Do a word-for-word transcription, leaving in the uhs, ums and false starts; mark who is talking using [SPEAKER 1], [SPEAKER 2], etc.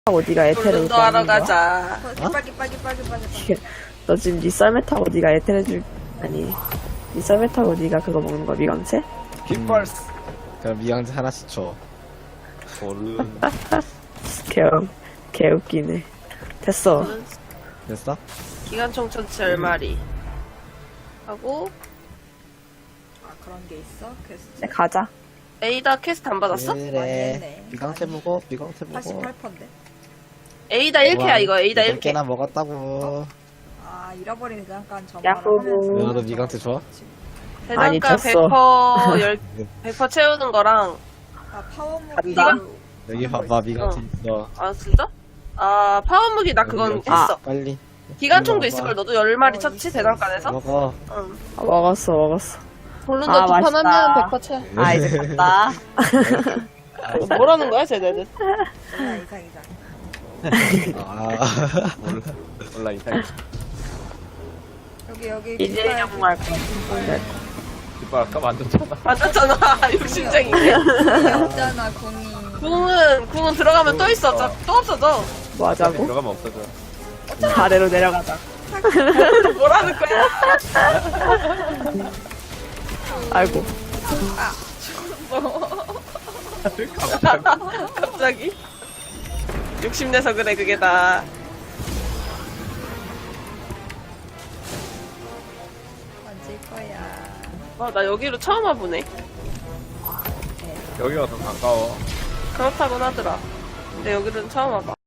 [SPEAKER 1] 어디가 에테르
[SPEAKER 2] 운동하러 가자.
[SPEAKER 3] 빨리 빨리 빨리 빨리.
[SPEAKER 1] 너 지금 니 썰매 타고 니가 에테르 줄 아니 니 썰매 타고 니가 그거 먹는 거 미강채?
[SPEAKER 4] 깃발스.
[SPEAKER 5] 그럼 미강제 하나씩 줘.
[SPEAKER 4] 얼른.
[SPEAKER 1] 개, 개 웃기네. 됐어.
[SPEAKER 5] 됐어?
[SPEAKER 2] 기관총 천치 열 마리. 하고,
[SPEAKER 3] 아 그런 게 있어? 퀘스트.
[SPEAKER 1] 네, 가자.
[SPEAKER 2] 에이다 퀘스트 안 받았어?
[SPEAKER 3] 많이
[SPEAKER 5] 그래.
[SPEAKER 3] 했네.
[SPEAKER 5] 미강제 먹어. 미강제 먹어.
[SPEAKER 3] 팔십팔 퍼센트.
[SPEAKER 2] 에이다 일 쾌야, 이거. 에이다 일 쾌.
[SPEAKER 5] 개나 먹었다고.
[SPEAKER 3] 아 잃어버린 대장간
[SPEAKER 1] 야호.
[SPEAKER 3] 점화를
[SPEAKER 5] 너도 미강제 좋아?
[SPEAKER 1] 아니,
[SPEAKER 2] 대장간
[SPEAKER 1] 졌어.
[SPEAKER 2] 백 퍼센트 열, 백 퍼센트 채우는 거랑,
[SPEAKER 3] 아 파워무기.
[SPEAKER 1] 간다.
[SPEAKER 5] 여기 봐봐. 미강제
[SPEAKER 2] 어.
[SPEAKER 5] 있어.
[SPEAKER 2] 아, 진짜? 아, 파워무기 나 그건
[SPEAKER 5] 여기
[SPEAKER 2] 했어.
[SPEAKER 5] 빨리.
[SPEAKER 2] 기관총도
[SPEAKER 5] 이리
[SPEAKER 2] 있을걸,
[SPEAKER 5] 와봐.
[SPEAKER 2] 너도 열 마리
[SPEAKER 3] 어,
[SPEAKER 2] 쳤지,
[SPEAKER 3] 있어,
[SPEAKER 2] 대장간에서?
[SPEAKER 5] 먹어.
[SPEAKER 2] 응.
[SPEAKER 1] 아, 먹었어, 먹었어.
[SPEAKER 2] 볼룬도
[SPEAKER 1] 아,
[SPEAKER 2] 두 판
[SPEAKER 1] 맛있다.
[SPEAKER 2] 하면 백 퍼센트 채.
[SPEAKER 1] 아, 이제 갔다.
[SPEAKER 2] 뭐라는 거야, 쟤네들?
[SPEAKER 3] 이상 이상 이상.
[SPEAKER 5] 아.
[SPEAKER 4] 몰라. 몰라 이상.
[SPEAKER 3] 여기 여기
[SPEAKER 1] 이제 영할 거 같은데.
[SPEAKER 4] 깃발 아까 만졌잖아.
[SPEAKER 2] 맞았잖아, 욕심쟁이네.
[SPEAKER 3] 없잖아 공이.
[SPEAKER 2] 궁은, 궁은 들어가면 또 있어. 저- 또 없어져.
[SPEAKER 1] 뭐 하자고?
[SPEAKER 4] 들어가면 없어져.
[SPEAKER 1] 아래로 내려가자.
[SPEAKER 2] 뭐라는 거야?
[SPEAKER 1] 아이고.
[SPEAKER 2] 갑자기? 욕심내서 그래, 그게 다.
[SPEAKER 3] 만질 거야.
[SPEAKER 2] 와, 나 여기로 처음 와보네.
[SPEAKER 4] 여기가 더 가까워.
[SPEAKER 2] 그렇다곤 하더라. 근데 여기는 처음 와봐.